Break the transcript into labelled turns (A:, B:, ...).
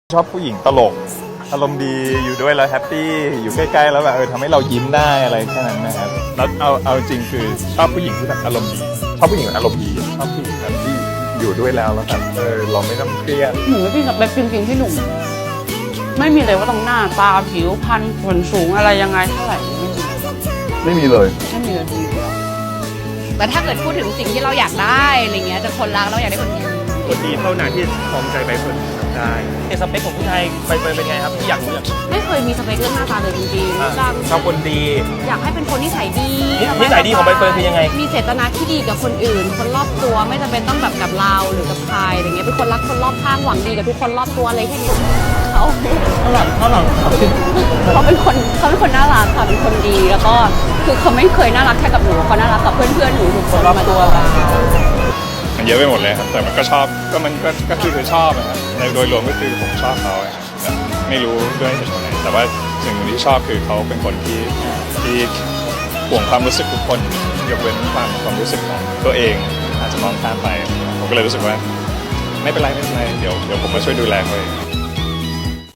A: ชอบผู้หญิงตลกอารมณ์ดีอยู่ด้วยแล้วแฮปปี้อยู่ใกล้ๆแล้วแบบทำให้เรายิ้มได้อะไรแค่นั้นนะครับแล้วเอาจริงคือชอบผู้หญิงที่แบบอารมณ์ดีชอบผู้หญิงอารมณ์ดีชอบผู้หญิงแบบที่อยู่ด้วยแล้วแบบเราไม่ต้องเครียด
B: หนูไม่พี่สเปคจริงๆที่หนุ่มไม่มีเลยว่าต้องหน้าตาผิวพรรณส่วนสูงอะไรยังไงเท่าไหร่ไม่มี
A: ไม่มีเลย
B: ไม่มีเลยทีเดียว
C: แต่ถ้าเกิดพูดถึงสิ่งที่เราอยากได้อะไรเงี้ยจะคนรักเราอยากได้คนดี
D: คนดีเท่านั้นที่ครองใจใบเฟิร์นได้สเปคของผู้ชายใบเฟิร์นเป็นไงครับที่อยากรู้อยาก
B: ไม่เคยมีสเปคเรื่องหน้าตาเลยจริงๆดัง
D: ชอบคนดี
B: อยากให้เป็นคนนิสัยดี
D: นิสัยดีของใบเฟิร์นคือยังไง
B: มีเจตนาที่ดีกับคนอื่น คนรอบตัวไม่จำเป็นต้องแบบกับเราหรือกับใครอะไรเงี้ยเป็นคนรักคนรอบข้างหวังดีกับทุกคนรอบตัวอะไรแค่นี้เขา
D: เท่าไหร่
B: เขาเป็นคนน่ารักค่ะเป็นคนดีแล้วก็คือเขาไม่เคยน่ารักแค่กับหนูเขาน่ารักกับเพื่อนๆหนูทุกคนมาตัวเรา
A: มันเยอะไปหมดเลยครับแต่มันก็ชอบก็คือชอบนะครับในโดยรวมก็คือผมชอบเขาครับแต่ไม่รู้ด้วยเหตุผลไหนแต่ว่าสิ่งที่ชอบคือเขาเป็นคนที่ห่วงความรู้สึกทุกคนยกเว้นความรู้สึกของตัวเองอาจจะมองข้ามไปผมก็เลยรู้สึกว่าไม่เป็นไรเดี๋ยวผมมาช่วยดูแลเขาเอง